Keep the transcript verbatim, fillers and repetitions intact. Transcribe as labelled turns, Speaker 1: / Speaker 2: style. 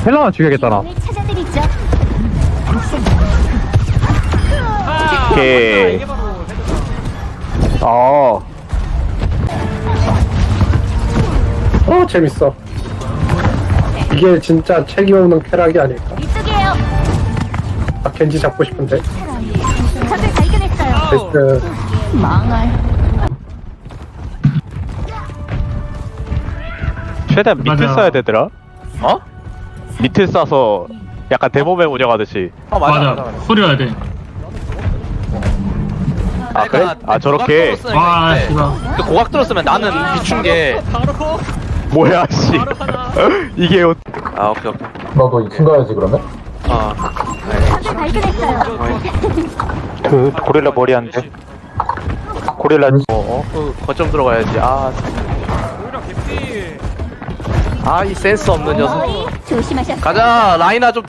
Speaker 1: 헬라만 죽여야겠다 나.
Speaker 2: 이름을 찾아드리죠.
Speaker 1: 오케이.
Speaker 3: 이게 바로 헤드다.
Speaker 1: 어.
Speaker 4: 어 재밌어. 이게 진짜 책임 없는 쾌락이 아닐까.
Speaker 2: 이쪽이에요.
Speaker 4: 아 겐지 잡고 싶은데.
Speaker 2: 적을 발견했어요.
Speaker 4: 베스트.
Speaker 2: 망할.
Speaker 1: 최대한 밑을
Speaker 5: 맞아.
Speaker 1: 쏴야 되더라.
Speaker 6: 어?
Speaker 1: 밑을 쏴서 약간 대모맹 운영하듯이.
Speaker 6: 어 맞아 맞아,
Speaker 5: 맞아.
Speaker 6: 맞아.
Speaker 5: 소리야 돼.
Speaker 1: 아 그래?
Speaker 6: 그러니까
Speaker 1: 아 저렇게.
Speaker 6: 고각도로 쓰는
Speaker 5: 와,
Speaker 6: 게 있는데
Speaker 5: 씨발.
Speaker 6: 그 고각도로 쓰면 나는 비춘 게
Speaker 3: 바로
Speaker 1: 뭐야 씨.
Speaker 3: 바로 하나.
Speaker 1: 이게 어-
Speaker 6: 아 오케이 오케이
Speaker 7: 너도 이 층 가야지 그러면?
Speaker 6: 아
Speaker 2: 적을 발견했어요.
Speaker 1: 그 고릴라 머리 안 돼. 고릴라.
Speaker 6: 어? 그 거점 들어가야지 아
Speaker 3: 오히려 개피.
Speaker 6: 아 이 센스 없는 녀석
Speaker 2: 머리 조심하셨어요.
Speaker 6: 가자 라이나 좀